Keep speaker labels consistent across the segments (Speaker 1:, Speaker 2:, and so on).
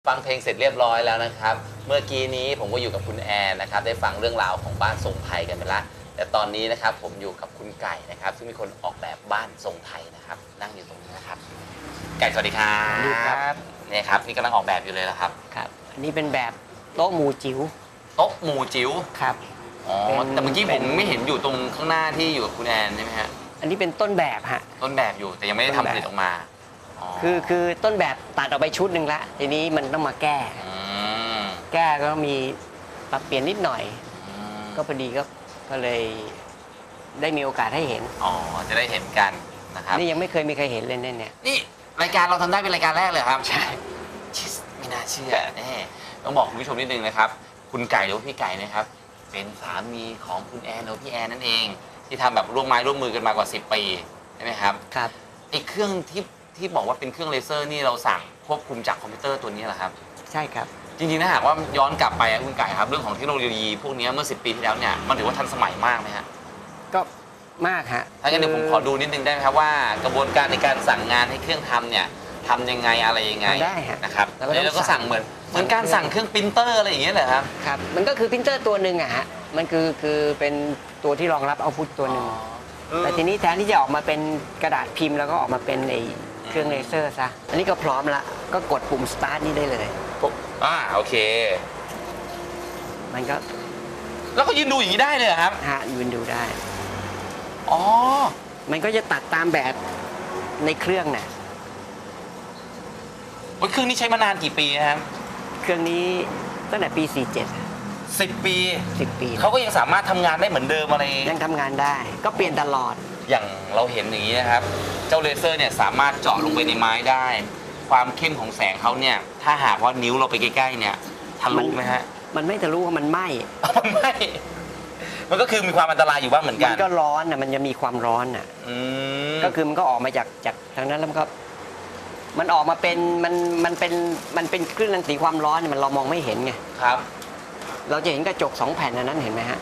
Speaker 1: ฟังเพลงเสร็จเรียบร้อยแล้วนะครับเมื่อกี้นี้ผมก็อยู่กับคุณแอนนะครับได้ฟังเรื่องราวของบ้านทรงไทยกันไปแล้วแต่ตอนนี้นะครับผมอยู่กับคุณไก่นะครับซึ่งเป็นคนออกแบบบ้านทรงไทยนะครับนั่งอยู่ตรงนี้นะครับไก่สวัสดีครับ
Speaker 2: สวัสดีครับ
Speaker 1: นี่ครับนี่กำลังออกแบบอยู่เลยแล้วครับ
Speaker 2: ครับอันนี้เป็นแบบโต๊ะหมู่จิ๋ว
Speaker 1: โต๊ะหมู่จิ๋ว
Speaker 2: ครับ
Speaker 1: อ๋อแต่เมื่อกี้ผมไม่เห็นอยู่ตรงข้างหน้าที่อยู่กับคุณแอนใช่ไหมฮะ
Speaker 2: อันนี้เป็นต้นแบบฮะ
Speaker 1: ต้นแบบอยู่แต่ยังไม่ได้ทำผลิตออกมา
Speaker 2: คือต้นแบบตัดออกไปชุดหนึ่งละทีนี้มันต้องมาแก้แก้ก็มีปรับเปลี่ยนนิดหน่อยก็พอดีก็เลยได้มีโอกาสให้เห็น
Speaker 1: อ๋อจะได้เห็นกันนะครับ
Speaker 2: นี่ยังไม่เคยมีใครเห็นเลยเนี่ย
Speaker 1: นี่รายการเราทำได้เป็นรายการแรกเลยครับใช่ไม่น่าเชื่อแน่ต้องบอกคุณผู้ชมนิดนึงนะครับคุณไก่หรือพี่ไก่นะครับเป็นสามีของคุณแอนหรือพี่แอนนั่นเองที่ทำแบบร่วมไม้ร่วมมือกันมากว่า10 ปีใช่ไหมครับ
Speaker 2: ครับ
Speaker 1: ไอ้เครื่องที่บอกว่าเป็นเครื่องเลเซอร์นี่เราสั่งควบคุมจากคอมพิวเตอร์ตัวนี้เหรอครับ
Speaker 2: ใช่ครับ
Speaker 1: จริงๆถ้าหากว่าย้อนกลับไปคุณไก่ครับเรื่องของเทคโนโลยีพวกนี้เมื่อ10 ปีที่แล้วเนี่ยมันถือว่าทันสมัยมากไหมฮะ
Speaker 2: ก็มากฮะ
Speaker 1: ถ้างั้นเดี๋ยวผมขอดูนิดนึงได้ไหมครับว่ากระบวนการในการสั่งงานให้เครื่องทำเนี่ยทำยังไงอะไรยังไง
Speaker 2: ได้ฮะ
Speaker 1: นะครับแล้วก็สั่งเหมือนการสั่งเครื่องปรินเตอร์อะไรอย่างเงี้ยเหรอครับ
Speaker 2: ครับมันก็คือปรินเตอร์ตัวหนึ่งอะฮะมันคือเป็นตัวที่รองรับเอาพุทตัวหนึ่งแต่ทีนี้แทนที่จะออกมาเป็นกระดาษพิมพ์แล้วก็ออกมาเป็นไอ้เครื่องเลเซอร์ซะอันนี้ก็พร้อมละก็กดปุ่ม start นี่ได้เลย
Speaker 1: โอเค
Speaker 2: มันก็
Speaker 1: แล้วก็ยืนดูอย่างนี้ได้เลยครับ
Speaker 2: ฮะยืนดูได้
Speaker 1: อ๋อ
Speaker 2: มันก็จะตัดตามแบบในเครื่องน่ะ
Speaker 1: เครื่องนี้ใช้มานานกี่ปีครับ
Speaker 2: เครื่องนี้ตั้งแต่ปี47
Speaker 1: 10 ปี
Speaker 2: 10 ปี
Speaker 1: เขาก็ยังสามารถทำงานได้เหมือนเดิมอะไร
Speaker 2: ยังทำงานได้ก็เปลี่ยนตลอด
Speaker 1: อย่างเราเห็นอย่างนี้นะครับเจ้าเลเซอร์เนี่ยสามารถเจาะลงไปในไม้ได้ความเข้มของแสงเขาเนี่ยถ้าหากว่านิ้วเราไปใกล้ๆเนี่ยทะลุไหมฮะ
Speaker 2: มันไม่ทะลุมันไหม้
Speaker 1: มันก็คือมีความอันตรายอยู่บ้างเหมือนกัน
Speaker 2: มันก็ร้อนน่ะมันจะมีความร้อนน่ะก็คือมันก็ออกมาจากทางนั้นแล้วมันก็มันออกมาเป็นมันเป็นคลื่นรังสีความร้อนมันเรามองไม่เห็นไง
Speaker 1: ครับ
Speaker 2: เราจะเห็นกระจก2 แผ่นนั้นเห็นไหมฮะ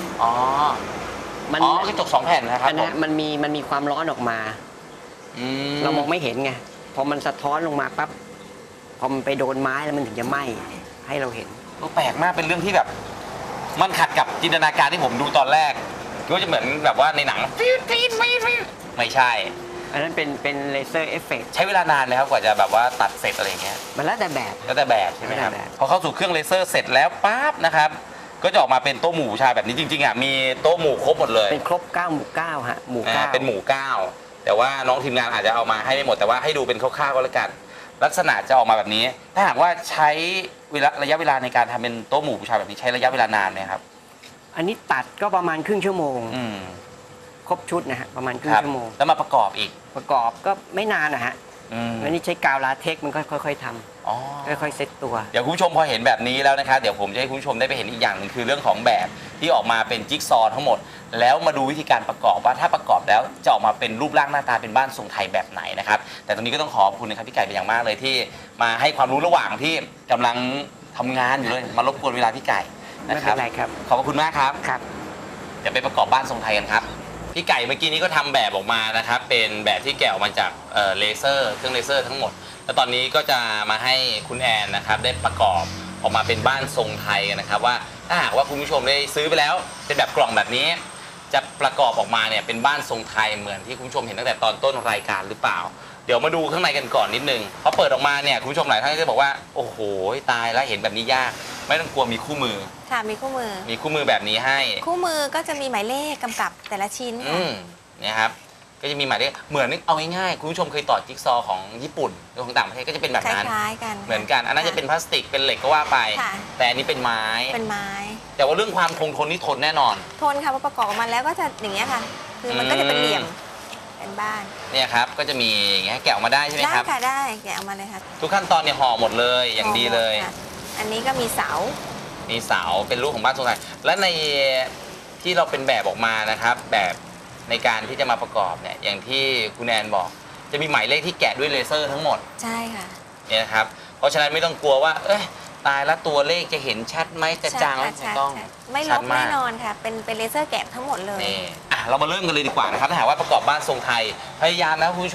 Speaker 1: กระจก2 แผ่นนะครับ
Speaker 2: มันมีความร้อนออกมาเรามองไม่เห็นไงพอมันสะท้อนลงมาปั๊บพอมันไปโดนไม้แล้วมันถึงจะไหม้ให้เราเห็น
Speaker 1: แปลกมากเป็นเรื่องที่แบบมันขัดกับจินตนาการที่ผมดูตอนแรกก็จะเหมือนแบบว่าในหนังไม่ใช่
Speaker 2: อันนั้นเป็นเลเซอร์เอฟเฟกต์
Speaker 1: ใช้เวลานานเลยครับกว่าจะแบบว่าตัดเสร็จอะไรอย่างเงี้ย
Speaker 2: มันแล้วแต่แบบ
Speaker 1: ใช่ไหมครับพอเข้าสู่เครื่องเลเซอร์เสร็จแล้วปั๊บนะครับก็จะออกมาเป็นโต๊ะหมู่ชายแบบนี้จริงๆมีโต๊ะหมู่ครบหมดเลย
Speaker 2: เป็นครบ9 หมู่ 9ฮะหมู่9
Speaker 1: เป็นหมู่9แต่ว่าน้องทีมงานอาจจะเอามาให้ไม่หมดแต่ว่าให้ดูเป็นคร่าวๆก็แล้วกันลักษณะจะออกมาแบบนี้ถ้าหากว่าใช้ระยะเวลาในการทำเป็นโต๊ะหมู่บูชาแบบนี้ใช้ระยะเวลานานไหมครับ
Speaker 2: อันนี้ตัดก็ประมาณครึ่งชั่วโมงครบชุดนะฮะประมาณครึ่งชั่วโมง
Speaker 1: แล้วมาประกอบอีก
Speaker 2: ประกอบก็ไม่นานนะฮะอันนี้ใช้กาวลาเท็กซ์มันก็ค่อยๆทำค่อยๆเซตตัว
Speaker 1: เดี๋ยวคุณผู้ชมพอเห็นแบบนี้แล้วนะครับเดี๋ยวผมจะให้คุณผู้ชมได้ไปเห็นอีกอย่างหนึ่งคือเรื่องของแบบที่ออกมาเป็นจิ๊กซอว์ทั้งหมดแล้วมาดูวิธีการประกอบว่าถ้าประกอบแล้วจะออกมาเป็นรูปร่างหน้าตาเป็นบ้านทรงไทยแบบไหนนะครับแต่ตรงนี้ก็ต้องขอบคุณนะครับพี่ไก่เป็นอย่างมากเลยที่มาให้ความรู้ระหว่างที่กำลังทำงานอยู่เลยมารบกวนเวลาพี่ไก่
Speaker 2: นะครับไม่เป็นไรครับ
Speaker 1: ขอบคุณมากครับ
Speaker 2: ครับ
Speaker 1: เดี๋ยวไปประกอบบ้านทรงไทยกันครับพี่ไก่เมื่อกี้นี้ก็ทำแบบออกมานะครับเป็นแบบที่แกะออกมาจากเลเซอร์เครื่องเลเซอร์ทั้งหมดแล้วตอนนี้ก็จะมาให้คุณแอนนะครับได้ประกอบออกมาเป็นบ้านทรงไทยกันนะครับว่าถ้าหากว่าคุณผู้ชมได้ซื้อไปแล้วเป็นแบบกล่องแบบนี้จะประกอบออกมาเนี่ยเป็นบ้านทรงไทยเหมือนที่คุณผู้ชมเห็นตั้งแต่ตอนต้นรายการหรือเปล่าเดี๋ยวมาดูข้างในกันก่อนนิดนึงพอเปิดออกมาเนี่ยคุณผู้ชมหลายท่านจะบอกว่าโอ้โหตายแล้วเห็นแบบนี้ยากไม่ต้องกลัวมีคู่มือ
Speaker 3: ค่ะมีคู่
Speaker 1: มือแบบนี้ให้
Speaker 3: คู่มือก็จะมีหมายเลขกำกับแต่ละชิ้น
Speaker 1: เนี่ยครับก็จะมีหมายเลขเหมือนเอาง่ายๆคุณผู้ชมเคยต่อจิ๊กซอว์ของญี่ปุ่นหรือของต่างประเทศก็จะเป็นแบบนั้น
Speaker 3: คล้ายๆกัน
Speaker 1: เหมือนกันอันนั้นจะเป็นพลาสติกเป็นเหล็กก็ว่าไปแต่อันนี้เป็นไม้แต่ว่าเรื่องความคงทนนี่ทนแน่นอน
Speaker 3: ทนค่ะพอประกอบออกมาแล้วก็จะอย่างเงี้ยค่ะคือมันก็จะเป็นเหลี่ยมเป็นบ้าน
Speaker 1: เนี่ยครับก็จะมีอย่างเงี้ยแกะออกมาได้ใช่ไหมครับ
Speaker 3: ได้ค่ะได้แกะออกมาเลยค่ะ
Speaker 1: ทุกขั้นตอนเนี่ยห่อหมดเลยอย่างดีเลย
Speaker 3: อันนี้ก็มีเสา
Speaker 1: เป็นรูปของบ้านทรงไทยและในที่เราเป็นแบบออกมานะครับแบบในการที่จะมาประกอบเนี่ยอย่างที่คุณแอนบอกจะมีหมายเลขที่แกะด้วยเลเซอร์ทั้งหมด
Speaker 3: ใช่ค่ะ
Speaker 1: เนี่ยนะครับเพราะฉะนั้นไม่ต้องกลัวว่าตายแล้วตัวเลขจะเห็นชัดไหมจะจางไม่ต้อง
Speaker 3: ไม่ลบแน่นอนค่ะเป็นเลเซอร์แกะทั้งหมดเลย
Speaker 1: นี่เรามาเริ่มกันเลยดีกว่านะครับถ้าหากว่าประกอบบ้านทรงไทยพยายามนะคุณผู้ชม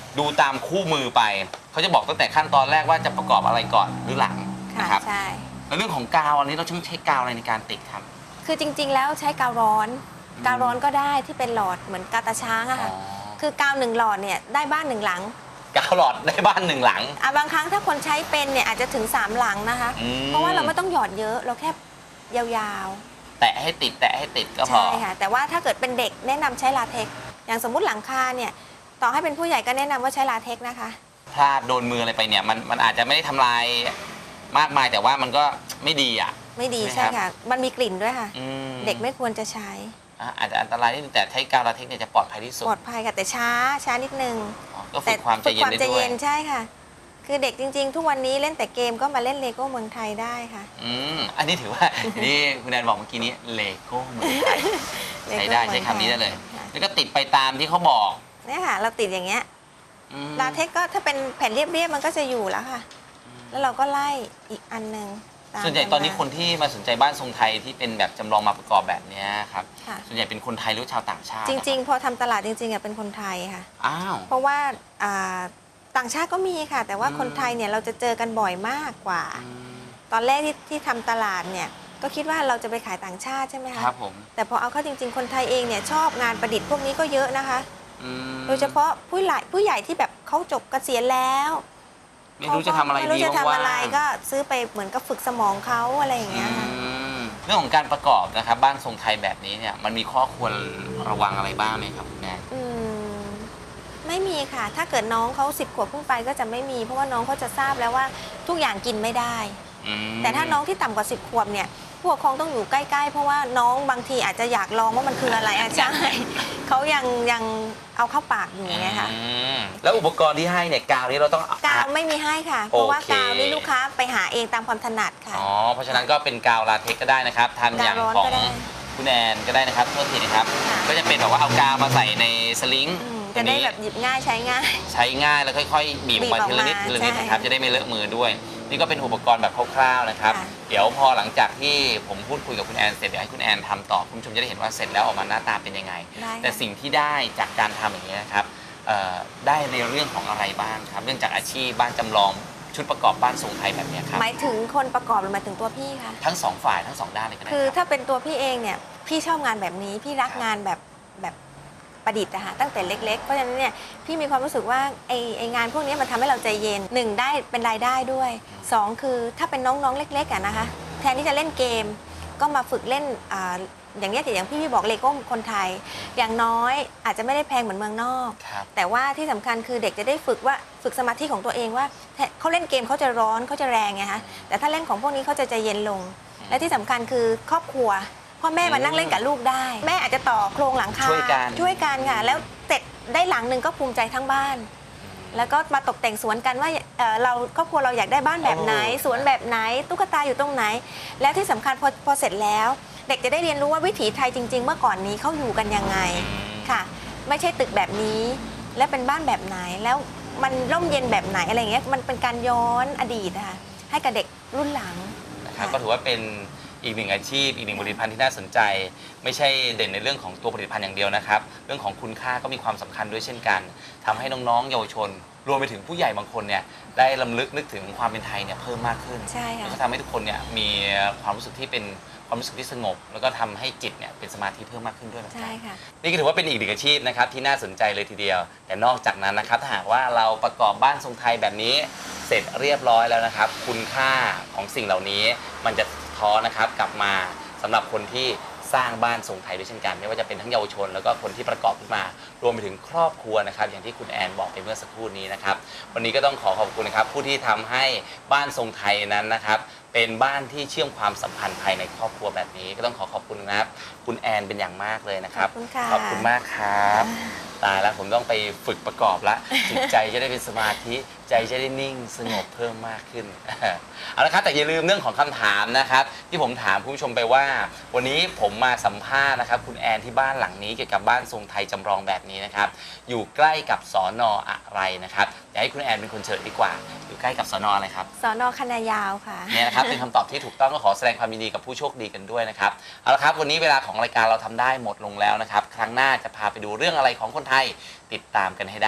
Speaker 1: ดูตามคู่มือไปเขาจะบอกตั้งแต่ขั้นตอนแรกว่าจะประกอบอะไรก่อนหรือหลัง
Speaker 3: ค่ะ
Speaker 1: นะครับ
Speaker 3: ใช่
Speaker 1: แล้วเรื่องของกาวอันนี้เราต้องใช้กาวอะไรในการติดครับ
Speaker 3: คือจริง ๆ แล้วใช้กาวร้อน กาวร้อนก็ได้ที่เป็นหลอดเหมือนกาวตาช้างอะค่ะ คือกาว1 หลอดเนี่ยได้บ้าน1 หลัง
Speaker 1: กาวหลอดได้บ้าน1 หลัง
Speaker 3: บางครั้งถ้าคนใช้เป็นเนี่ยอาจจะถึง3 หลังนะคะ เพราะว่าเราไม่ต้องหยอดเยอะเราแค่ยาว
Speaker 1: แตะให้ติดก็
Speaker 3: ๆ
Speaker 1: พอ
Speaker 3: ใช่ค่ะแต่ว่าถ้าเกิดเป็นเด็กแนะนำใช้ลาเท็กซ์อย่างสมมุติหลังคาเนี่ยต่อให้เป็นผู้ใหญ่ก็แนะนำว่าใช้ลาเท็กซ์นะคะ
Speaker 1: พลาดโดนมืออะไรไปเนี่ยมันอาจจะไม่ได้ทำลายมากมายแต่ว่ามันก็ไม่ดีอ่ะ
Speaker 3: ไม่ดี
Speaker 1: ใช่
Speaker 3: ใช่
Speaker 1: ไหมครับ
Speaker 3: ค่ะ มันมีกลิ่นด้วยค่ะ
Speaker 1: อืม
Speaker 3: เด็กไม่ควรจะใช้
Speaker 1: อาจจะอันตรายนิดนึงแต่ใช้กาวลาเท็กซ์เนี่ยจะปลอดภัยที่สุด
Speaker 3: ปลอดภัยค่ะแต่ช้านิดนึง
Speaker 1: อ๋อก็ฝึกความใจเย็นได้
Speaker 3: ใจ
Speaker 1: ด้วย
Speaker 3: เย็นใช่ค่ะ คือเด็กจริง ๆ ทุกวันนี้เล่นแต่เกมก็มาเล่นเลโก้เมืองไทยได้ค่ะ
Speaker 1: อันนี้ถือว่า นี่คุณแอนบอกเมื่อกี้นี้เลโก้เมืองไทยใช้ได้ใช้คำนี้ได้เลย
Speaker 3: ค่ะ
Speaker 1: แล้วก็ติดไปตามที่เขาบอก
Speaker 3: เนี่ยค่ะ เราติดอย่างเงี้ย
Speaker 1: อืม
Speaker 3: ลาเท็กซ์ก็ถ้าเป็นแผ่นเรียบๆมันก็จะอยู่แล้วค่ะ แล้วเราก็ไล่อีกอันหนึ่งาม
Speaker 1: ส่วนใหญ่ตอนนี้คนที่มาสนใจบ้านทรงไทยที่เป็นแบบจำลองมาประกอบแบบเนี้ยครับ
Speaker 3: ค่ะ
Speaker 1: ส่วนใหญ่เป็นคนไทยหรือชาวต่างชาติ
Speaker 3: จริง ๆ พอทำตลาดจริงๆอ่ะเป็นคนไทยค่ะ
Speaker 1: อ้าว
Speaker 3: เพราะว่าต่างชาติก็มีค่ะ แต่ว่าคนไทยเนี่ยเราจะเจอกันบ่อยมากกว่า ตอนแรกที่ทำตลาดเนี่ยก็คิดว่าเราจะไปขายต่างชาติใช่ไหมคะ
Speaker 1: ครับผม
Speaker 3: แต่พอเอาเข้าจริง ๆ คนไทยเองเนี่ยชอบงานประดิษฐ์พวกนี้ก็เยอะนะคะ
Speaker 1: อืม
Speaker 3: โดยเฉพาะผู้ใหญ่ที่แบบเขาจบเกษียณแล้ว
Speaker 1: ไม่รู้จะทำอะไร
Speaker 3: ไม่
Speaker 1: ดี
Speaker 3: รู้จะทำอะไร
Speaker 1: ว่างๆ
Speaker 3: ก็ซื้อไปเหมือนกับฝึกสมองเขาอะไรอย่างเงี้ยค่ะ
Speaker 1: เรื่องของการประกอบนะครับบ้านทรงไทยแบบนี้เนี่ยมันมีข้อควรระวังอะไรบ้างไหมครับคุณแม่
Speaker 3: ไม่มีค่ะ ถ้าเกิดน้องเขา10 ขวบขึ้นไปก็จะไม่มี เพราะว่าน้องเขาจะทราบแล้วว่าทุกอย่างกินไม่ได้ แต่ถ้าน้องที่ต่ำกว่า10 ขวบเนี่ยผู้ปกครองต้องอยู่ใกล้ๆ เพราะว่าน้องบางทีอาจจะอยากลองว่ามันคืออะไรอ่ะใช่ เขายังเอาเข้าปากอยู่ไงคะ
Speaker 1: แล้วอุปกรณ์ที่ให้เนี่ยกาวนี้เราต้อง
Speaker 3: กาวไม่มีให้ค่ะ เพราะว่า
Speaker 1: โอเค
Speaker 3: กาวนี่ลูกค้าไปหาเองตามความถนัดค่ะ
Speaker 1: อ๋อเพราะฉะนั้นก็เป็นกาวลาเท็กซ์ก็ได้นะครับทำอย่าง
Speaker 3: กาวร้อน
Speaker 1: ของ
Speaker 3: ก็ได้
Speaker 1: คุณแอนก็ได้นะครับโทษทีนะครับ
Speaker 3: ค่ะ
Speaker 1: ก็จะเป็นแบบว่าเอากาวมาใส่ในสลิง
Speaker 3: จะได้แบบหยิบง่ายใช้ง่าย
Speaker 1: ใช้ง่ายแล้วค่อยๆบีบออกมา
Speaker 3: บีบออก
Speaker 1: ทีละนิด
Speaker 3: มา
Speaker 1: ทีละนิด
Speaker 3: ใช่
Speaker 1: นะครับจะได้ไม่เลอะมือด้วย นี่ก็เป็นอุปกรณ์แบบคร่าวๆนะครับ
Speaker 3: ค่ะ
Speaker 1: เดี๋ยวพอหลังจากที่ผมพูดคุยกับคุณแอนเสร็จเดี๋ยวให้คุณแอนทำต่อคุณผู้ชมจะได้เห็นว่าเสร็จแล้วออกมาหน้าตาเป็นยังไง
Speaker 3: ได้
Speaker 1: แต่
Speaker 3: ค่ะ
Speaker 1: สิ่งที่ได้จากการทำอย่างนี้ยนะครับได้ในเรื่องของอะไรบ้างครับเรื่องจากอาชีพบ้านจำลองชุดประกอบบ้านทรงไทยแบบเนี้ยครับ
Speaker 3: หมายถึงคนประกอบหรือหมายถึงตัวพี่คะ
Speaker 1: ทั้งสองฝ่ายทั้งสองด้านเลยก็ได้
Speaker 3: คือ
Speaker 1: ครับ
Speaker 3: ถ้าเป็นตัวพี่เองเนี่ยพี่ชอบงานแบบนี้พี่รัก
Speaker 1: ครับ
Speaker 3: งานแบบประดิษฐ์นะคะตั้งแต่เล็ก ๆ เพราะฉะนั้นเนี่ยพี่มีความรู้สึกว่าไองานพวกนี้มันทำให้เราใจเย็นหนึ่งได้เป็นรายได้ด้วยสองคือถ้าเป็นน้องๆเล็กๆอะนะคะแทนที่จะเล่นเกมก็มาฝึกเล่นอย่างเนี้ยอย่างพี่บอกเลโก้คนไทย อย่างน้อยอาจจะไม่ได้แพงเหมือนเมืองนอก
Speaker 1: ครับ
Speaker 3: แต่ว่าที่สำคัญคือเด็กจะได้ฝึกสมาธิของตัวเองว่าเขาเล่นเกมเขาจะร้อนเขาจะแรงไงคะแต่ถ้าเล่นของพวกนี้เขาจะใจเย็นลง และที่สำคัญคือครอบครัวพ่อแม่มานั่งเล่นกับลูกได้ แม่อาจจะต่อโครงหลังคา
Speaker 1: ช่วยกัน
Speaker 3: ค่ะแล้วเสร็จได้หลังหนึ่งก็ภูมิใจทั้งบ้าน แล้วก็มาตกแต่งสวนกันว่าเราครอบครัวเราอยากได้บ้านแบบไหน สวนแบบไหนตุ๊กตาอยู่ตรงไหน แล้วที่สำคัญพอเสร็จแล้ว เด็กจะได้เรียนรู้ว่าวิถีไทยจริง ๆ เมื่อก่อนนี้เขาอยู่กันยังไงค่ะ ไม่ใช่ตึกแบบนี้ และเป็นบ้านแบบไหนแล้วมันร่มเย็นแบบไหนอะไรอย่างเงี้ยมันเป็นการย้อนอดีตนะคะให้กับเด็กรุ่นหลัง
Speaker 1: นะครับก็ถือว่าเป็นอีกหนึ่งอาชีพอีกหนึ่งผลิตภัณฑ์ที่น่าสนใจ ไม่ใช่เด่นในเรื่องของตัวผลิตภัณฑ์อย่างเดียวนะครับเรื่องของคุณค่าก็มีความสำคัญด้วยเช่นกันทำให้น้องๆเยาวชน รวมไปถึงผู้ใหญ่บางคนเนี่ยได้รำลึกนึกถึงความเป็นไทยเนี่ยเพิ่มมากขึ้น
Speaker 3: ใช่ค่ะ
Speaker 1: แล้วก็ทำให้ทุกคนเนี่ยมีความรู้สึกที่เป็นความรู้สึกที่สงบ แล้วก็ทำให้จิตเนี่ยเป็นสมาธิเพิ่มมากขึ้นด้วยเหมือนกั
Speaker 3: ใช่
Speaker 1: น
Speaker 3: ค่ะ
Speaker 1: นี่ก็ถือว่าเป็นอีกหนึ่งอาชีพนะครับที่น่าสนใจเลยทีเดียว แต่นอกจากนั้นนะครับถ้าหากว่าเราประกอบบ้านทรงไทยแบบนี้เสร็จเรียบร้อยแล้วนะครับ คุณค่าของสิ่งเหล่านี้มันจะสะท้อนนะครับกลับมาสำหรับคนที่สร้างบ้านทรงไทยด้วยเช่นกัน ไม่ว่าจะเป็นทั้งเยาวชน แล้วก็คนที่ประกอบขึ้นมา รวมไปถึงครอบครัวนะครับอย่างที่คุณแอนบอกไปเมื่อสักครู่นี้นะครับวันนี้ก็ต้องขอขอบคุณนะครับผู้ที่ทำให้บ้านทรงไทยนั้นนะครับเป็นบ้านที่เชื่อมความสัมพันธ์ภายในครอบครัวแบบนี้ ก็ต้องขอบคุณนะครับคุณแอนเป็นอย่างมากเลยนะครับ
Speaker 3: ขอบคุณค่ะ
Speaker 1: ขอบคุณมากครับตายแล้วผมต้องไปฝึกประกอบละจิตใจจะได้เป็นสมาธิใจจะได้นิ่งสงบเพิ่มมากขึ้น เอาละครับแต่อย่าลืมเรื่องของคำถามนะครับที่ผมถามคุณผู้ชมไปว่า วันนี้ผมมาสัมภาษณ์นะครับคุณแอนที่บ้านหลังนี้เกี่ยวกับบ้านทรงไทยจำลองแบบนี้นะครับอยู่ใกล้กับสน.อะไรนะครับอยากให้คุณแอนเป็นคนเฉลยดีกว่าอยู่ใกล้กับสน.อะไรครับ
Speaker 3: สน.คณะยาวค่ะ
Speaker 1: เนี่ยนะครับเป็นคำตอบที่ถูกต้องก็ขอแสดงความยินดีกับผู้โชคดีกันด้วยนะครับเอาละครับวันนี้เวลาของรายการเราทำได้หมดลงแล้วนะครับครั้งหน้าจะพาไปดูเรื่องอะไรของคนไทยติดตามกันให้ได้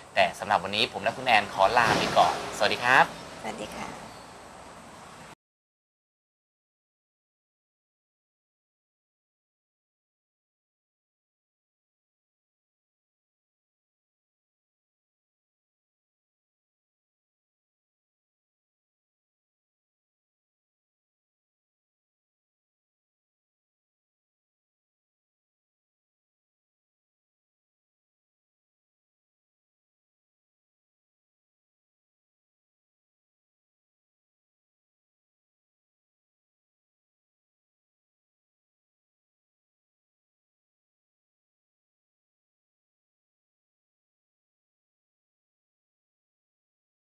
Speaker 1: แต่สำหรับวันนี้ผมและคุณแอนขอลาไปก่อนสวัสดีครับ
Speaker 3: สวัสดีค่ะ